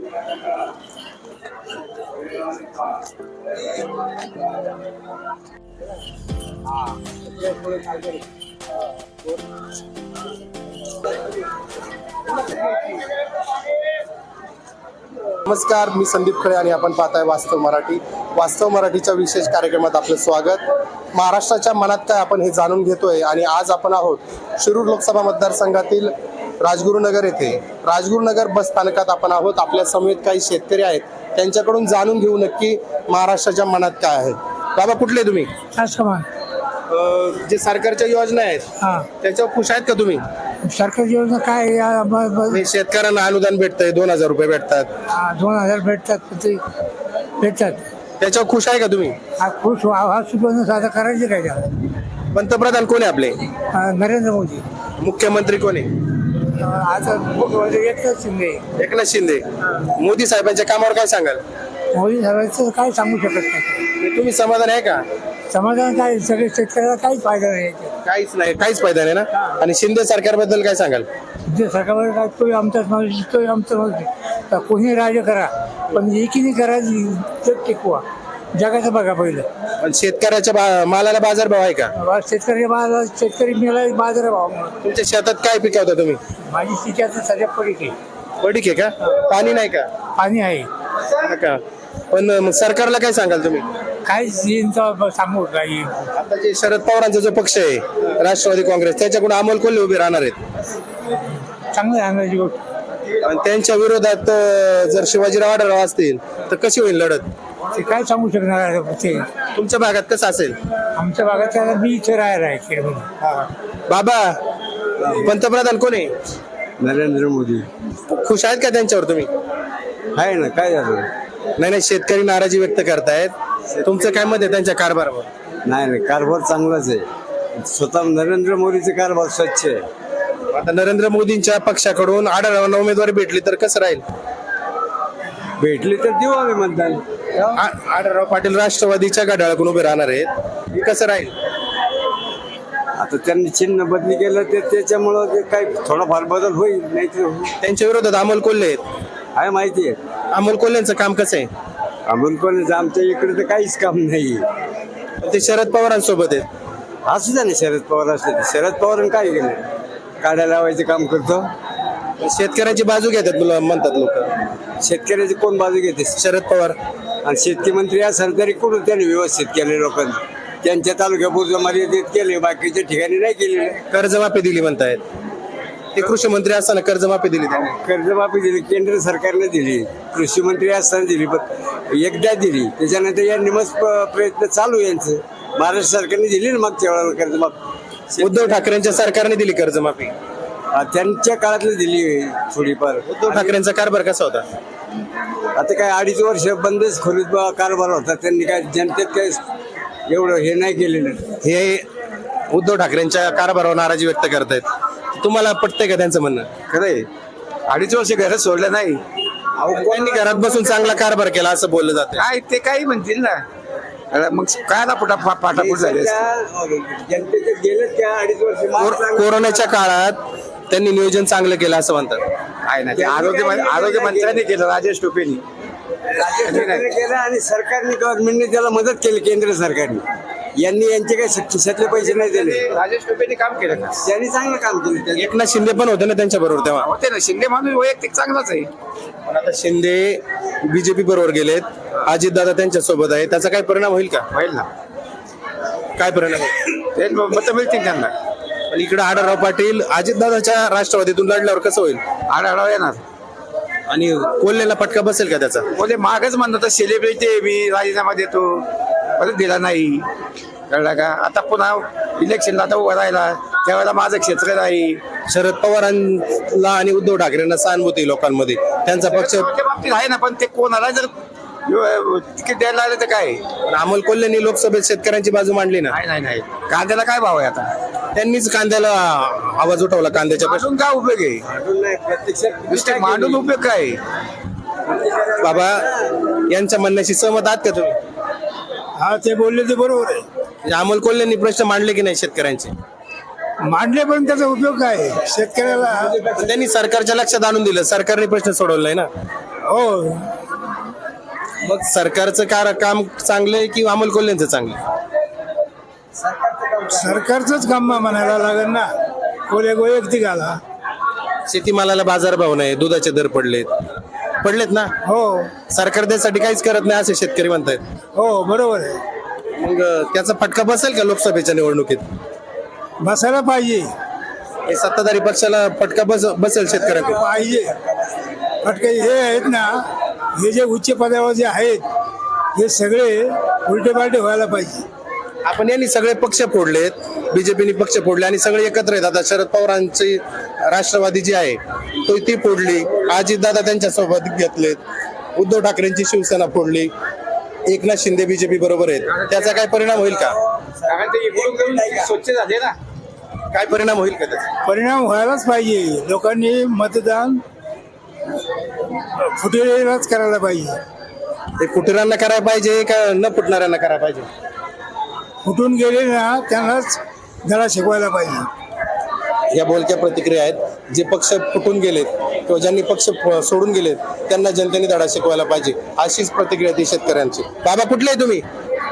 नमस्कार, मी संदीप खळे आणि आपण पाहताय वास्तव मराठी. वास्तव मराठीच्या विशेष कार्यक्रमात आपलं स्वागत. महाराष्ट्राच्या मनात काय आपण हे जाणून घेतोय आणि आज आपण आहोत शिरूर लोकसभा मतदारसंघातील राजगुरुनगर येथे. राजगुरुनगर बस स्थानकात आपण आहोत. आपल्या समेत काही शेतकरी आहेत, त्यांच्याकडून जाणून घेऊ नक्की महाराष्ट्राच्या मनात काय आहे. बाबा, कुठले तुम्ही? जे सरकारच्या योजना आहेत त्याच्यावर खुश आहेत का तुम्ही? सरकारी योजना काय शेतकऱ्यांना अनुदान भेटतंय, 2000 रुपये भेटतात. 2000 भेटतात त्याच्यावर खुश आहे का तुम्ही? खुश साधा करायचे काय त्याला? पंतप्रधान कोण आहे आपले? नरेंद्र मोदी. मुख्यमंत्री कोण आहे? आता एकनाथ शिंदे. एकनाथ शिंदे. मोदी साहेबांच्या कामावर काय सांगाल? मोदी साहेबांचं काय सांगू शकत नाही. तुम्ही समाधान आहे का? समाधान काय, सगळे शेतकऱ्याला काहीच फायदा नाही. काहीच नाही, काहीच फायदा नाही ना. आणि शिंदे सरकारबद्दल काय सांगाल? जे सरकारवर काय, तोही आमचाच माणूस, तोही आमचं माणूस. कोणी राज्य करा, पण एकीने करा, जग टिकवा. जगाचं बघा पहिलं. पण शेतकऱ्याच्या मालाला बाजारभाव आहे का? शेतकरी मेला बाजारभाव. तुमच्या शेतात काय पिकवता तुम्ही? माझी शेती आता सध्या पडीक आहे. पडीक आहे का? पाणी नाही का? पाणी आहे का? पण मग सरकारला काय सांगाल तुम्ही? काय सांगू काही. आता जे शरद पवारांचा जो पक्ष आहे राष्ट्रवादी काँग्रेस, त्याच्याकडून अमोल कोल्हे उभे राहणार आहेत. चांगलं सांगायची गोष्ट. आणि त्यांच्या विरोधात जर शिवाजीराव आढळराव असतील तर कशी होईल लढत? ते काय सांगू शकणार ते. तुमच्या भागात कसं असेल? आमच्या भागात त्याला मी इथे राहायला आहे खेडमध्ये. बाबा, पंतप्रधान कोण आहे? नरेंद्र मोदी. खुश आहेत का त्यांच्यावर तुम्ही? आहे ना, काय झालं? नाही, शेतकरी नाराजी व्यक्त करतायत. तुमचं काय मत आहे त्यांच्या कारभारावर? नाही, कारभार चांगलाच आहे. स्वतः नरेंद्र मोदीचे कारभार स्वच्छ आहे. आता नरेंद्र मोदींच्या पक्षाकडून आढळरावांना उमेदवारी भेटली तर कसं राहील? भेटली तर देऊ आम्ही मतदान. आढळराव पाटील राष्ट्रवादीच्या घड्याळाकडून उभे राहणार आहेत, हे कसं राहील? आता त्यांनी चिन्ह बदली केलं ते त्याच्यामुळं ते काही थोडाफार बदल होईल, नाही तर त्यांच्या विरोधात अमोल कोल्हे आहेत. आहे माहिती आहे. अमोल कोल्हेंचं काम कसं आहे? अमोल कोल्हे आमच्या इकडे तर काहीच काम नाही. ते शरद पवारांसोबत आहेत. असू द्या ना, शरद पवार असले तर. शरद पवारांनी काय केलं? काड्या लावायचं काम करतो. शेतकऱ्यांची बाजू घेतात म्हणतात लोक. शेतकऱ्याची कोण बाजू घेते? शरद पवार. आणि शेतकी मंत्री असेल तरी कुठून त्यांनी व्यवस्थित केले लोकांनी. त्यांच्या तालुक्यापुरतं मर्यादित केले, बाकीच्या ठिकाणी नाही केलेले. कर्जमाफी दिली म्हणतायत. ते कृषी मंत्री असताना कर्जमाफी दिली त्यांनी. कर्जमाफी दिली, केंद्र सरकारने दिली. कृषी मंत्री असताना दिली, पण एकदा दिली. त्याच्यानंतर या निमस प्रयत्न चालू यांचं. महाराष्ट्र सरकारने दिली ना मागच्या वेळेला कर्जमाफी. उद्धव ठाकरेंच्या सरकारने दिली कर्जमाफी. त्यांच्या काळातली दिली थोडीफार. उद्धव ठाकरेंचा कारभार कसा होता? आता काय 2.5 वर्ष बंदच खोलीत कारभार होता. त्यांनी काय जनतेत काय एवढं हे नाही केलेलं. हे उद्धव ठाकरेंच्या कारभारावर नाराजी व्यक्त करतायत. तुम्हाला पटतंय का त्यांचं म्हणणं? खरंय, 2.5 वर्ष घरात सोडलं नाही. त्यांनी घरात बसून चांगला कारभार केला असं बोललं जातं. काय ते काही म्हणतील ना, मग काय ना पाठापूट झाले. जनतेचे गेले त्या 2.5 वर्ष. कोरोनाच्या काळात त्यांनी नियोजन चांगलं केलं असं म्हणतात. आहे ना, ते आरोग्य मंत्र्यांनी केलं, राजेश टोपेनी केलं. आणि सरकारने, गव्हर्नमेंटने त्याला मदत केली. केंद्र सरकारने यांनी यांचे काही खिशातले पैसे नाही दिले. राजेश टोपेनी काम केलं का? त्यांनी चांगलं काम केलं. एकनाथ शिंदे पण होते ना त्यांच्या बरोबर तेव्हा. होते ना, शिंदे माणूस वैयक्तिक चांगलाच आहे. पण आता शिंदे बीजेपी बरोबर गेलेत, अजितदादा त्यांच्या सोबत आहे. त्याचा काय परिणाम होईल का? होईल ना. काय परिणाम होईल? ते मतं मिळतील त्यांना. पण इकडे आढळराव पाटील अजितदादाच्या राष्ट्रवादीतून लढल्यावर कसं होईल? आढळराव येणार. आणि कोल्हेला फटका बसेल का त्याचा? बोले मागच म्हणतात सेलिब्रिटी मी राजीनामा देतो, परत दिला नाही. कळला का? आता पुन्हा इलेक्शनला आता उभं राहिला, त्यावेळेला माझं क्षेत्र नाही. शरद पवारांना आणि उद्धव ठाकरेंना सहानुभूती लोकांमध्ये, त्यांचा पक्ष बाबतीत आहे ना. पण ते कोणाला जर तिकीट द्यायला आलं तर काय? अमोल कोल्हेंनी लोकसभेत शेतकऱ्यांची बाजू मांडली ना. नाही. कांद्याला काय भाव आहे आता? त्यांनीच कांद्याला आवाज उठवला. कांद्याच्या मांडून काय उपयोग आहे? नुसते मांडून उपयोग काय? बाबा, यांच्या म्हणण्याशी सहमत आहात का तुम्ही? हा, ते बोलले ते बरोबर आहे. अमोल कोल्हेंनी प्रश्न मांडले की नाही शेतकऱ्यांचे? मांडले, पण त्याचा उपयोग काय शेतकऱ्याला? त्यांनी सरकारच्या लक्षात आणून दिलं, सरकारने प्रश्न सोडवला नाही ना. हो, मग सरकारचं काम चांगलं आहे की अमोल कोल्हेंचं चांगलं आहे? सरकारचंच काम म्हणायला लागेल ना. वैयक्तिक आला. शेतीमालाला बाजारभाव नाही, दुधाचे दर पडलेत ना. हो सरकार त्यासाठी काहीच करत नाही असे शेतकरी म्हणतायत. हो, बरोबर आहे. मग त्याचा फटका बसेल का लोकसभेच्या निवडणुकीत? बसायला पाहिजे. हे सत्ताधारी पक्षाला फटका बसेल शेतकऱ्यांना? पाहिजे फटके हे आहेत ना, हे जे उच्च पदावर जे आहेत हे सगळे उलटे पालटे व्हायला पाहिजे. आपण यांनी सगळे पक्ष फोडलेत, बीजेपीने पक्ष फोडले आणि सगळे एकत्र आहेत. आता शरद पवारांची राष्ट्रवादी जी आहे तो ती फोडली, अजितदादा त्यांच्या सोबत घेतलेत, उद्धव ठाकरेंची शिवसेना फोडली, एकनाथ शिंदे बीजेपी बरोबर आहेत. त्याचा काय परिणाम होईल का? स्वच्छ झाले ना. काय परिणाम होईल का त्याचा? परिणाम व्हायलाच पाहिजे. लोकांनी मतदान फुटेलाच करायला पाहिजे. ते फुटणाऱ्यांना करायला पाहिजे का न फुटणाऱ्यांना करायला पाहिजे? फुटून गेले ना त्यांनाच धडा शिकवायला पाहिजे. या बोलक्या प्रतिक्रिया आहेत. जे पक्ष फुटून गेलेत किंवा ज्यांनी पक्ष सोडून गेलेत त्यांना जनतेने धडा शिकवायला पाहिजे, अशीच प्रतिक्रिया ती शेतकऱ्यांची. बाबा कुठले आहे तुम्ही?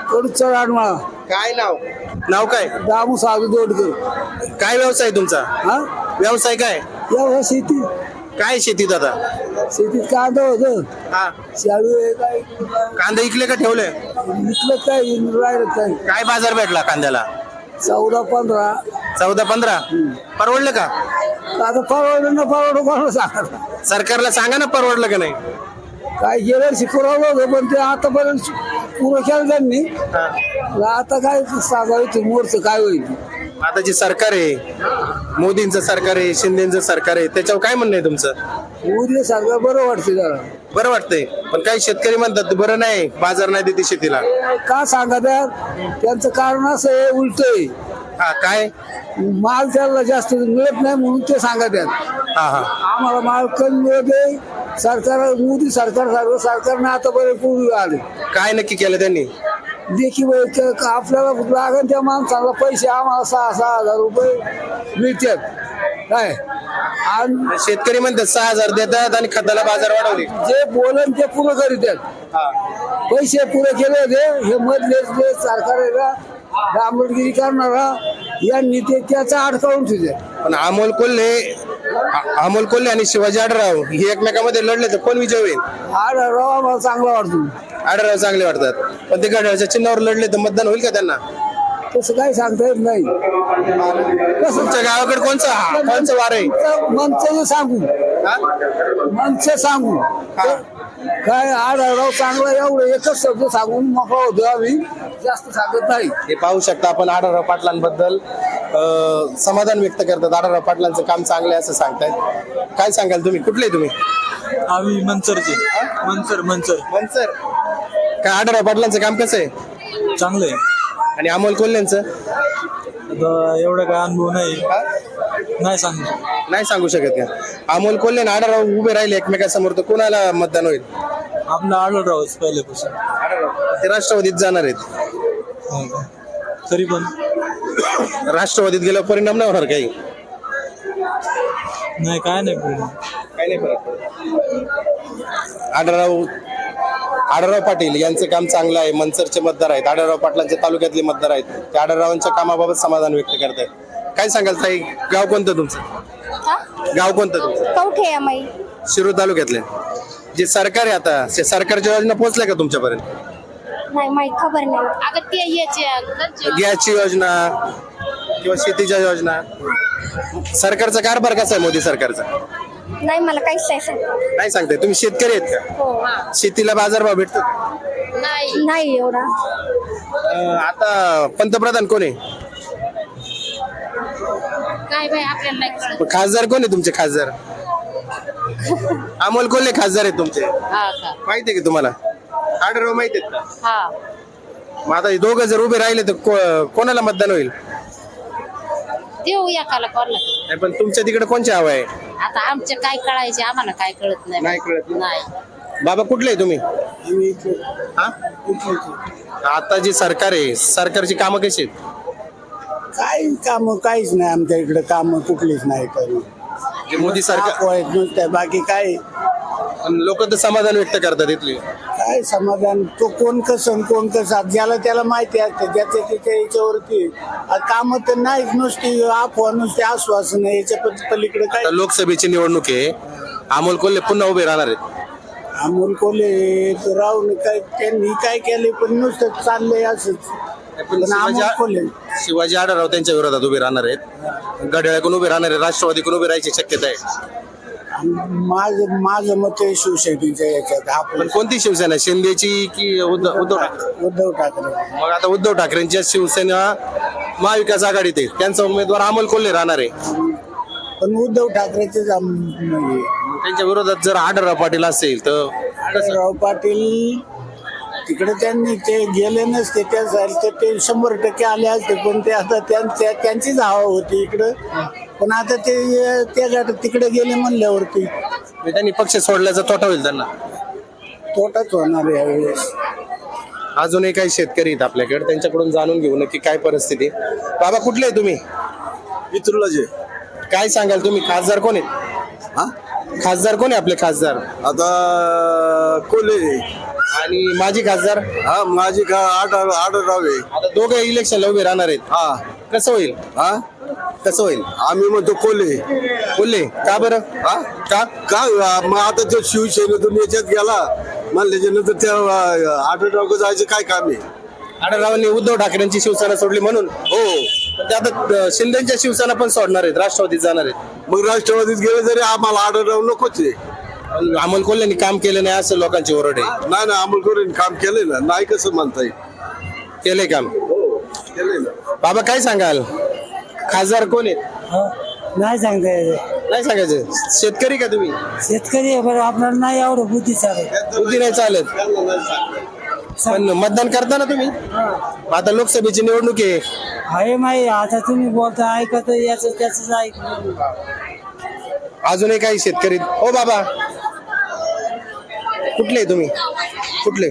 काय नाव काय? दामू साधू दोडकर. काय व्यवसाय तुमचा? व्यवसाय काय? शेती. काय शेतीत आता? शेतीत कांदा होतं, हा, शाळू काय कांदा इकले का ठेवले? विकलं काय राहिलं काय. काय बाजार भेटला कांद्याला? 14-15. 14-15. परवडलं का? आता परवडलं ना परवडलं कोणाला सांगा. सरकारला सांगा ना परवडलं का नाही. काय गेलं शिकवलं होतं पण ते आतापर्यंत पुरं केलं त्यांनी. आता काय सांगायचं मोरचं काय होईल. आता जे सरकार आहे, मोदींचं सरकार आहे, शिंदेचं सरकार आहे, त्याच्यावर काय म्हणणं आहे तुमचं? मोदी सरकार बरं वाटते जरा. बरं वाटतंय, पण काही शेतकरी म्हणतात बरं नाही, बाजार नाही देते शेतीला. का सांगा त्या त्यांचं कारण असं आहे उलट आहे. हा, काय? माल त्याला जास्त मिळत नाही म्हणून ते सांगा त्यात. हा हा, आम्हाला माल कमी मिळते. सरकार मोदी सरकारनं आतापर्यंत पूर्वी आले. काय नक्की केलं त्यांनी? देखील आपल्याला लागेल त्या माणसाला पैसे आम्हाला 6,000 रुपये मिळतात काय. आणि शेतकरी म्हणतात 6,000 देतात आणि खताला बाजार वाढवले. जे बोलन ते पुरं करीतात. पैसे पुरे केले होते हे मधले जे सरकार आहे ना डांबरगिरी करणारा यांनी ते त्याचा अडकावून ठेवले. पण अमोल कोल्हे आणि शिवाजी आढळराव हे एकमेकांमध्ये लढले तर कोण विजय होईल? आढळराव आम्हाला चांगला वाटतो. आढळराव चांगले वाटतात, पण ते घड्याळाच्या चिन्हावर लढले तर मतदान होईल का त्यांना? तसं काही सांगता येत नाही. तुमच्या गावाकडे कोणचं वार आहे? मनचं सांगू मनचं सांगू काय आढळराव चांगला एवढं एकच शब्द सांगून मोकळा होतो. आम्ही जास्त सांगत नाही. हे पाहू शकता आपण आढळराव पाटलांबद्दल समाधान व्यक्त करतात. आढळराव पाटलांचं काम चांगलं आहे असं सांगतायत. काय सांगाल तुम्ही? कुठले तुम्ही? आम्ही मंचरचे. मंचर काय आढळराव पाटलांचं काम कसं आहे? चांगलं आहे. आणि अमोल कोल्हेंचं? आता एवढा काय अनुभव नाही सांगू. नाही सांगू शकत का? अमोल कोल्हे आणि आढळराव उभे राहिले एकमेकांसमोर तर कोणाला मतदान होईल? आपला आढळरावच पहिल्यापासून. ते राष्ट्रवादीत जाणार आहेत. हो का? तरी पण राष्ट्रवादीत गेल्यावर परिणाम नाही होणार काही? नाही, काय नाही परिणाम. काही नाही फरक. आढळराव पाटील यांचं काम चांगलं आहे. मनसरचे मतदार आहेत, आढळराव पाटलांच्या तालुक्यातले मतदार आहेत. ते आढळरावांच्या कामाबाबत समाधान व्यक्त करतायत. काय सांगाल ताई? गाव कोणतं तुमचं? गाव कोणतं तुमचं? कवठे अमाई. शिरूर तालुक्यातले. जे सरकार आहे आता, ते सरकारच्या योजना पोहोचल्या का तुमच्यापर्यंत? नाही माहित, खबर नाही. अगं ते याचे गॅसची योजना किंवा शेतीच्या योजना, सरकारचा कारभार कसा आहे मोदी सरकारचा? नाही, मला काहीच नाही सांगत. नाही सांगताय. तुम्ही शेतकरी आहेत का? हो. शेतीला बाजारभाव भेटतो का? नाही एवढा. आता पंतप्रधान कोण आहे? काय बाई आपल्याला नाही कळत. खासदार कोण आहे तुमचे? खासदार अमोल कोल्हे खासदार आहेत तुमचे. माहिती आहे का तुम्हाला? आढळराव माहिती आहेत का? मग आता हे दोघं जर उभे राहिले तर कोणाला मतदान होईल? देऊ एकाला कोणाला. नाही, पण तुमच्या तिकडे कोणची हवा आहे? आता आमचे काय कळायचे आम्हाला काय कळत नाही. नाही कळत. नाही. बाबा कुठले आहे तुम्ही? हा? आता जी सरकार आहे, सरकारची कामं कशी आहेत? काही काम काहीच नाही आमच्या इकडे. काम कुठलीच नाही. जे मोदी सरकार नुसत्या बाकी काय लोक तर समाधान व्यक्त करतात इथले. काय समाधान तो कोण कसं ज्याला त्याला माहिती असते ज्याच्या त्याच्या याच्यावरती काम तर नाहीच, नुसती अफवा नुसती आश्वासन याच्या पलीकडे काय. आता लोकसभेची निवडणूक आहे, अमोल कोल्हे पुन्हा उभे राहणार आहेत. अमोल कोल्हे राहून काय त्यांनी काय केले पण नुसतं चाललंय असंच. पण पण अमोल कोल्हे शिवाजी आढळराव त्यांच्या विरोधात उभे राहणार आहेत, घड्याळकडून उभे राहणार आहेत, राष्ट्रवादीकडून उभे राहायची शक्यता आहे. माझं मत आहे शिवसेनेच्या याच्यात पण आपलं कोणती शिवसेना, शिंदेची की उद्धव ठाकरे? उद्धव ठाकरे. मग आता उद्धव ठाकरेंच्या शिवसेना महाविकास आघाडीत आहे, त्यांचा उमेदवार अमोल कोल्हे राहणार आहे. पण उद्धव ठाकरेचेच त्यांच्या विरोधात जर आढळराव पाटील असेल तर राव पाटील तिकडे त्यांनी ते गेले नसते त्यासाठी ते 100% आले असते, पण ते आता त्यांचीच हवा होती इकडं. पण आता ते तिकडे गेले म्हणल्यावरती त्यांनी पक्ष सोडल्याचा तोटा होईल त्यांना. तोटाच होणार आहे यावेळेस. अजूनही काही शेतकरी आहेत आपल्याकडे, त्यांच्याकडून जाणून घेऊ नक्की काय परिस्थिती. बाबा कुठले आहे तुम्ही? इथुरलाचे काय सांगाल तुम्ही, खासदार कोण आहेत? हा खासदार कोण आहे आपले खासदार? आता कोल्हे आणि माजी खासदार? हा माझी का आढळराव आहे. आता दोघे इलेक्शनला उभे राहणार आहेत, हा कसं होईल? हा कसं होईल? आम्ही म्हणतो कोल्हे. बोलले का बरं? हा का? का मग आता तो शिवसेनेतून याच्यात गेला म्हणल्याच्या नंतर त्या आढळराव जायचं काय काम आहे? आढळरावांनी उद्धव ठाकरेंची शिवसेना सोडली म्हणून. हो पण ते आता शिंदेच्या शिवसेना पण सोडणार आहेत, राष्ट्रवादीत जाणार आहेत. मग राष्ट्रवादीत गेले तरी आम्हाला आढळराव नकोच आहे. अमोल कोल्हेंनी काम केलं नाही असं लोकांची ओरड आहे. नाही ना अमोल कोल्हेने काम केलंय ना, नाही कसं म्हणता येईल. केलंय काम. केलंय ना. बाबा काय सांगाल, खासदार कोण आहेत? नाही सांगता येत. नाही सांगायचं. शेतकरी का तुम्ही? शेतकरी आहे बरं, आपल्याला नाही एवढं बुद्धी चालत. बुद्धी नाही चालत, पण मतदान करता ना तुम्ही? आता लोकसभेची निवडणूक आहे. आहे माही आता तुम्ही बोलता ऐकत याच त्याच ऐक. अजूनही काही शेतकरी. ओ बाबा कुठले तुम्ही? कुठले?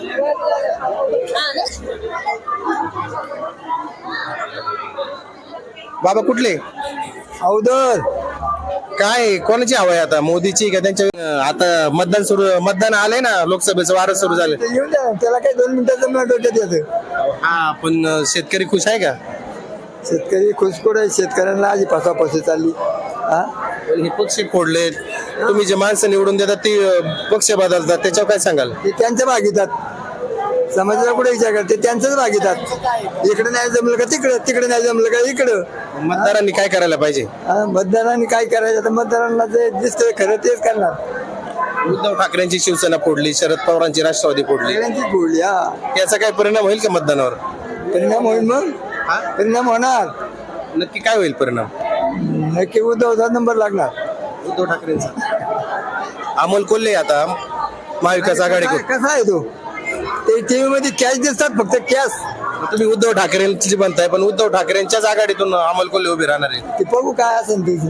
बाबा कुठले? अवधर काय कोणाची हवा आहे आता, मोदीची का त्यांच्या? आता मतदान आलंय ना, लोकसभेचं वारं सुरू झालं. येऊन द्या त्याला काही 2 मिनिटाचं मला डोक्यात येतं. हा पण शेतकरी खुश आहे का? शेतकरी खुशखोर आहे, शेतकऱ्यांना आधी पासापासून चालली. हा हे पक्ष फोडलेत, तुम्ही जे माणसं निवडून देतात ती पक्ष बदलतात, त्याच्यावर काय सांगाल? ते त्यांच्या भागीतात, समाजाला कुठे विचार करते त्यांचंच भागीतात. इकडे नाही जमलं का तिकडं, तिकडे नाही जमलं का इकडं. मतदारांनी काय करायला पाहिजे? मतदारांनी काय करायचं तर मतदारांना जे दिसतंय खरं तेच करणार. उद्धव ठाकरेंची शिवसेना फोडली, शरद पवारांची राष्ट्रवादी फोडली, सगळ्यांचीच बोलली. हा याचा काय परिणाम होईल का मतदानावर? परिणाम होईल, मग परिणाम होणार नक्की काय होईल परिणाम? नक्की उद्धवचा नंबर लागणार. उद्धव ठाकरेंचा. अमोल कोल्हे आता महाविकास आघाडीकडून. कसा आहे तो, ते टीव्ही मध्ये कॅश दिसतात फक्त कॅश. तुम्ही उद्धव ठाकरेंची म्हणताय, पण उद्धव ठाकरेंच्याच आघाडीतून अमोल कोल्हे उभे राहणार आहे. ते बघू काय असेल ते.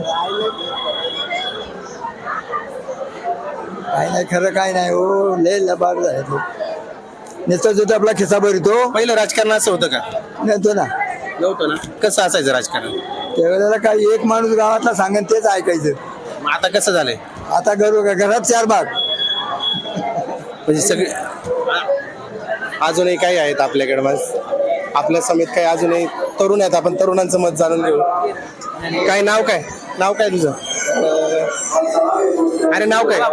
काय नाही खरं काय नाही हो, लय लबाड झाले तो. नुसतं जो आपला खिसा भरतो. पहिलं राजकारण असं होतं का? नेतो ना. नव्हतं ना. कसं असायचं राजकारण? त्यावेळेला काही एक माणूस गावातला सांगेन तेच ऐकायचं. मग आता कसं झालंय? आता घरात 4 भाग. म्हणजे सगळे. अजूनही काही आहेत आपल्याकडे, आपल्या समेत काही अजूनही तरुण आहेत, आपण तरुणांचं मत जाणून घेऊ. काय नाव काय? नाव काय तुझं? अरे नाव काय?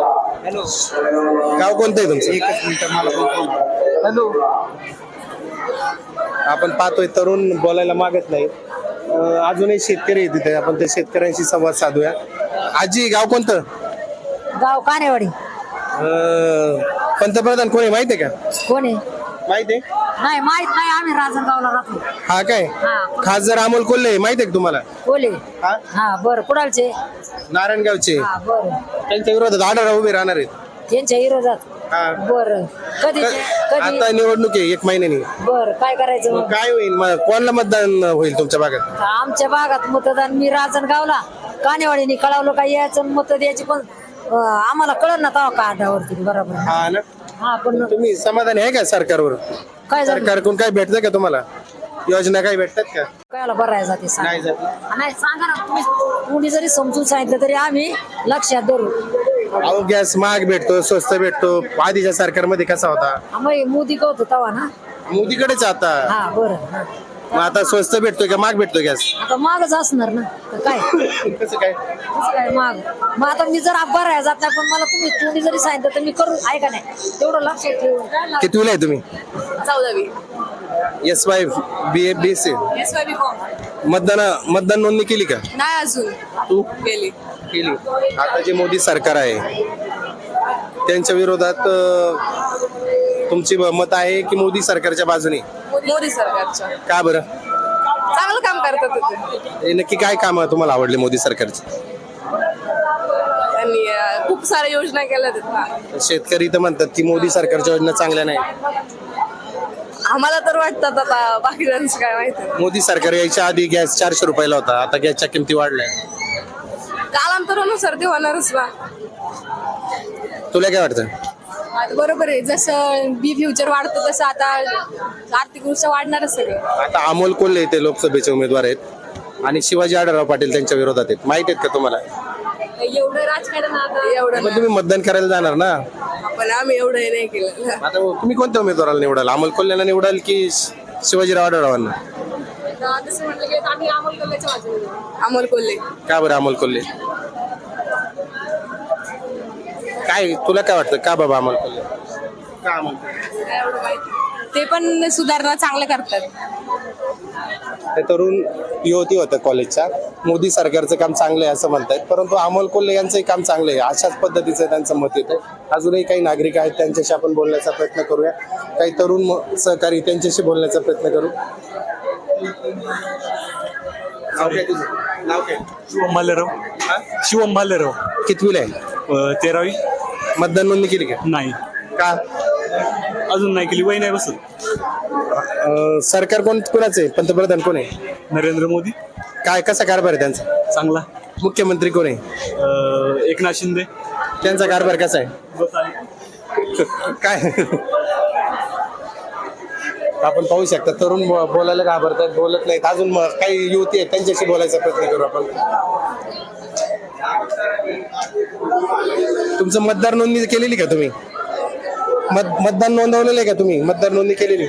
गाव कोणतं आहे तुमचं? हॅलो. आपण पाहतोय तरुण बोलायला मागत नाही. अजूनही शेतकरी आहेत तिथे, आपण त्या शेतकऱ्यांशी संवाद साधूया. आजी गाव कोणतं? गाव कानेवाडी. पंतप्रधान कोणी माहिती आहे का? कोणी माहिती आहे? नाही माहित नाही, आम्ही राजनगावला राहतो. हा काय? खासदार अमोल कोल्हे माहिती आहे का तुम्हाला? कोले. हा? हा बरं, कुणालचे? नारायणगावचे. हा बरं, त्यांच्या विरोधात आढळराव उभे राहणार आहेत. त्यांच्या विरोधात. हा. बरं, कधी कधी? आता निवडणूक आहे 1 महिन्यानी. बरं, काय करायचं मग मग? काय होईल, मग कोणाला मतदान होईल तुमच्या भागात? आमच्या भागात मतदान मी राजनगावला कानेवाडीने कळवलं काय यायचं मत द्यायची, पण आम्हाला कळलं ना तेव्हा कार्डावरती. बरोबर. हा ना. हा पण तुम्ही समाधानी आहे का सरकारवर? काय झालं? सरकारकडून काय भेटतं का तुम्हाला? योजना काही भेटतात का? कायला बरं जाते सांग. नाही जात. नाही सांगा ना तुम्ही, कुणी जरी समजून सांगितलं तरी आम्ही लक्षात धरू. अहो गॅस महाग भेटतो, स्वस्त भेटतो. आधीच्या सरकारमध्ये कसा होता? मग मोदी होतो तवा ना. मोदीकडेच आता. हा बरं हा. मग आता स्वस्त भेटतोय का महाग भेटतोय गॅस? आता मागच असणार ना तर काय कसं काय? कसं काय माग. मग आता मी जर अब्बा राहायला जात नाही पण मला तुम्ही जरी सांगितलं तर मी करू आहे का नाही तेवढं लक्षात ठेवून. कितवीला आहे तुम्ही? 14वी. SY BC. SYB फॉर्म मतदान नोंदणी केली का नाही अजून तू? केली. केली. आता जे मोदी सरकार आहे त्यांच्या विरोधात तुमची मत आहे की मोदी सरकारच्या बाजूने? मोदी सरकारच्या का बरं? चांगलं काम करतात ते. हे नक्की काय काम तुम्हाला आवडले मोदी सरकारचे? त्यांनी खूप साऱ्या योजना केल्या आहेत ना. शेतकरी तर म्हणतात की मोदी सरकारच्या योजना चांगल्या नाही. आम्हाला तर वाटतात, आता बाकीच्यांचं काय माहिती. मोदी सरकार यायच्या आधी गॅस 400 रुपयाला होता, आता गॅसच्या किमती वाढल्या. कालांतरानुसार ते होणारच ना. तुला काय वाटतं? आता बरोबर आहे, जसं बी फ्युचर वाढतं तसं आता आर्थिकदृष्ट्या वाढणारच सगळं. आता अमोल कोल्हे ते लोकसभेचे उमेदवार आहेत आणि शिवाजी आढळराव पाटील त्यांच्या विरोधात आहेत. माहित आहेत का तुम्हाला? एवढं राजकारण आता एवढं मग तुम्ही मतदान करायला जाणार ना? पण आम्ही एवढं हे नाही केलं. आता तुम्ही कोणत्या उमेदवाराला निवडाल? अमोल कोल्हेला निवडाल की शिवाजीराव आढळरावांना? तसं म्हटलं की आम्ही अमोल कोल्हेच्या बाजूने जाऊ. अमोल कोल्हे. का बरं अमोल कोल्हे? काय तुला काय वाटतं का बाबा अमोल कोल्हे? का अमोल कोल्हे? एवढं माहिती. ते पण सुधारणा चांगल्या करतात. ते तरुण युवती होतं कॉलेजच्या, मोदी सरकारचं काम चांगलं आहे असं म्हणतायत, परंतु अमोल कोल्हे यांचंही काम चांगलं आहे अशाच पद्धतीचं त्यांचं मत येतं. अजूनही काही नागरिक आहेत त्यांच्याशी आपण बोलण्याचा प्रयत्न करूया. काही तरुण सहकारी त्यांच्याशी बोलण्याचा प्रयत्न करू. नाव काय तुझं? नाव काय? शिवम भालेराव. कितवीला आहे? 13वी. मतदान नोंदणी केली का? नाही का? अजून नाही केली, वय नाही बसत. सरकार कोणाचं आहे? पंतप्रधान कोण आहे? नरेंद्र मोदी. काय कसा कारभार आहे त्यांचा? चांगला. मुख्यमंत्री कोण आहे? एकनाथ शिंदे. त्यांचा कारभार कसा आहे? काय आपण पाहू शकता तरुण बोलायला घाबरतात, बोलत नाहीत. अजून काही युवती आहेत त्यांच्याशी बोलायचा प्रयत्न करू आपण. तुमचं मतदार नोंदणी केलेली का तुम्ही? मतदान नोंदवलेलं आहे का तुम्ही? मतदार नोंदणी केलेली?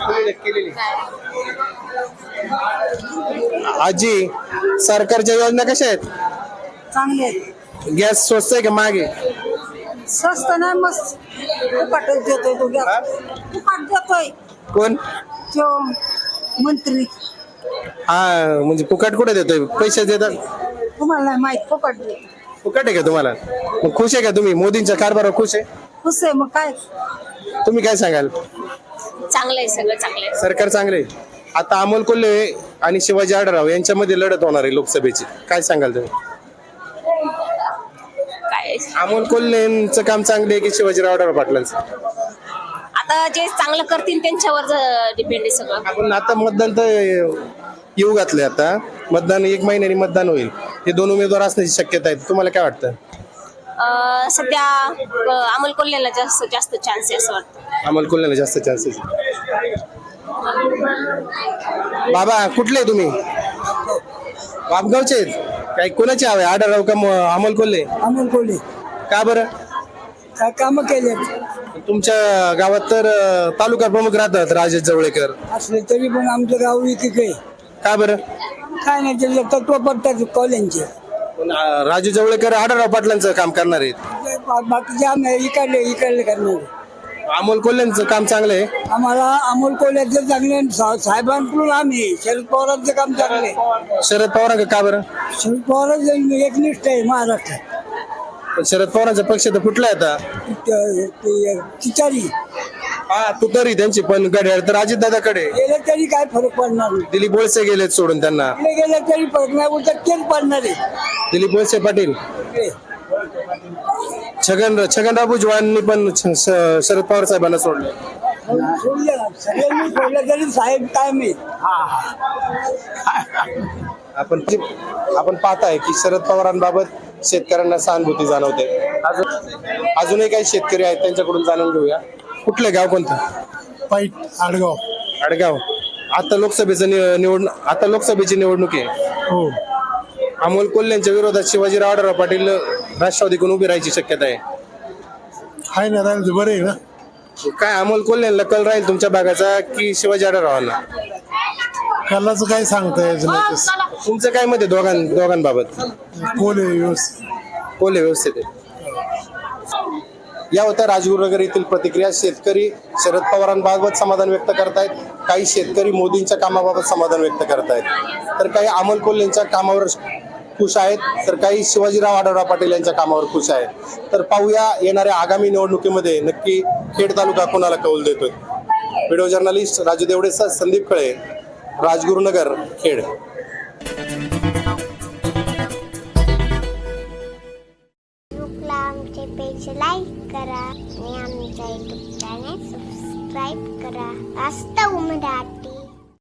आजी, सरकारच्या योजना कशा आहेत? चांगले गॅस स्वस्त आहे का महाग आहे? स्वस्त नाही मस्त फुकटच देतोय तो गॅस. फुकट देतोय कोण? तो मंत्री. हा म्हणजे फुकट कुठे देतोय? पैसे देतात? तुम्हाला नाही माहित फुकट देतो. फुकट आहे का तुम्हाला? मग खुश आहे का तुम्ही? मोदींच्या कारभारावर खुश आहे? खुश आहे मग काय. तुम्ही काय सांगाल? चांगलं आहे, सगळं चांगलं आहे. सरकार चांगले. आता अमोल कोल्हे आणि शिवाजी आढळराव यांच्यामध्ये लढत होणार आहे लोकसभेची, काय सांगाल तुम्ही? काय अमोल कोल्हेंचं काम चांगले आहे की शिवाजीराव आढळराव पाटलांचं? आता जे चांगलं करतील त्यांच्यावर डिपेंड आहे सगळं. आपण आता मतदान तर येऊ घातले, आता मतदान 1 महिन्याने मतदान होईल. हे दोन उमेदवार असण्याची शक्यता आहे. तुम्हाला काय वाटतं? सध्या अमोल कोल्हेला जास्त चान्स आहे असं वाटतं. अमोल कोल्हेला जास्त चान्सेस. बाबा कुठले तुम्ही? बापगावचे आहेत. काही कोणाचे हवे, आढळराव का अमोल कोल्हे? अमोल कोल्हे. का बरं? काय काम केले तुमच्या गावात तर तालुका प्रमुख राहतात राजेश जवळेकर, असले तरी पण आमचं गाव एक आहे. का बरं? काय नाही त्याला तत्व पडतात कॉलेजचे. पण, राजू जवळेकर आढळराव पाटलांचं काम करणार आहेत. बाकीचे आम्ही इकडले करणार. अमोल कोल्हेंचं काम चांगलं आहे. आम्हाला अमोल कोल्ह्याचं चांगले साहेबांकडून आम्ही शरद पवारांचं काम चांगले. शरद पवारांचं का बरं? शरद पवार एकनिष्ठ आहे महाराष्ट्रात. पण शरद पवारांचा पक्ष तर फुटलाय आता. तिचारी हा तू तरी त्यांची पण घड्याळ तर अजितदादाकडे. गेले तरी काय फरक पडणार नाही. दिलीप वळसे गेलेत सोडून त्यांना. गेले तरी फरक नाही, उलट तेच पडणार आहे. दिलीप वळसे पाटील. छगनराव भुजबळांनी पण शरद पवार साहेबांना सोडले. सगळ्यांनी सोडलं तरी साहेब काय माहित. आपण पाहताय की शरद पवारांबाबत शेतकऱ्यांना सहानुभूती जाणवते. अजूनही काही शेतकरी आहेत त्यांच्याकडून जाणून घेऊया. कुठलं गाव कोणतं? पैठ आडगाव. आडगाव. आता लोकसभेची निवडणूक आहे. हो. अमोल कोल्हेंच्या विरोधात शिवाजीराव आढळराव पाटील राष्ट्रवादीकडून उभी राहायची शक्यता आहे. आहे ना राहिलं बरं आहे ना. काय अमोल कोल्हेला कल राहील तुमच्या भागाचा की शिवाजी आढळरावांना? कलाचं काय सांगता यायचं नाही तुमचं काय मत आहे दोघांबाबत? कोले व्यवस्थित. कोल्हे व्यवस्थित आहे. या होत्या राजगुरुनगर येथील प्रतिक्रिया. शेतकरी शरद पवारांबाबत समाधान व्यक्त करतायत, काही शेतकरी मोदींच्या कामाबाबत समाधान व्यक्त करतायत, तर काही अमोल कोल्हेंच्या कामावर खुश आहेत, तर काही शिवाजीराव आढळराव पाटील यांच्या कामावर खुश आहेत. तर पाहूया येणाऱ्या आगामी निवडणुकीमध्ये नक्की खेड तालुका कोणाला कौल देतोय. व्हिडिओ जर्नलिस्ट राजू देवडेसह संदीप खळे, राजगुरुनगर, खेड. फेसबुकला आमचे पेज लाईक करा आणि आमच्या युट्यूब चॅनेल सबस्क्राईब करा. वास्तव मराठी.